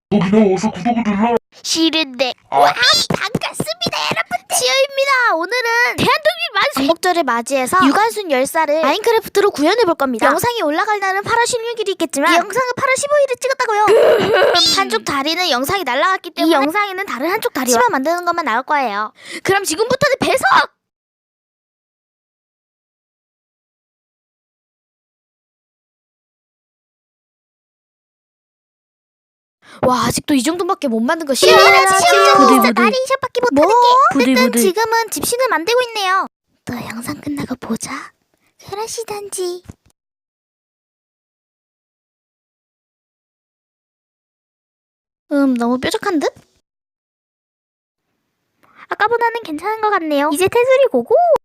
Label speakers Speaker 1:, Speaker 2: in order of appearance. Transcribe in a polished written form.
Speaker 1: 그냥 어서 구독을 눌러.
Speaker 2: 싫은데. 와, 반갑습니다 여러분들. 지효입니다. 오늘은 대한독립 만세 광복절을 맞이해서 유관순 10살을 마인크래프트로 구현해볼 겁니다. 영상이 올라갈 날은 8월 16일이 있겠지만 이 영상은 8월 15일에 찍었다고요. 한쪽 다리는 영상이 날라갔기 때문에 이 영상에는 다른 한쪽 다리와 치마 만드는 것만 나올 거예요. 그럼 지금부터는 배석! 와, 아직도 이 정도밖에 못 만든 거 싫어.
Speaker 3: 부들부들.
Speaker 2: 나리 이샷밖에 못하는 게. 어쨌든
Speaker 3: 부들부들.
Speaker 2: 지금은 집신을 만들고 있네요. 또 영상 끝나고 보자. 그러시단지. 너무 뾰족한 듯? 아까보다는 괜찮은 것 같네요. 이제 테두리 고고!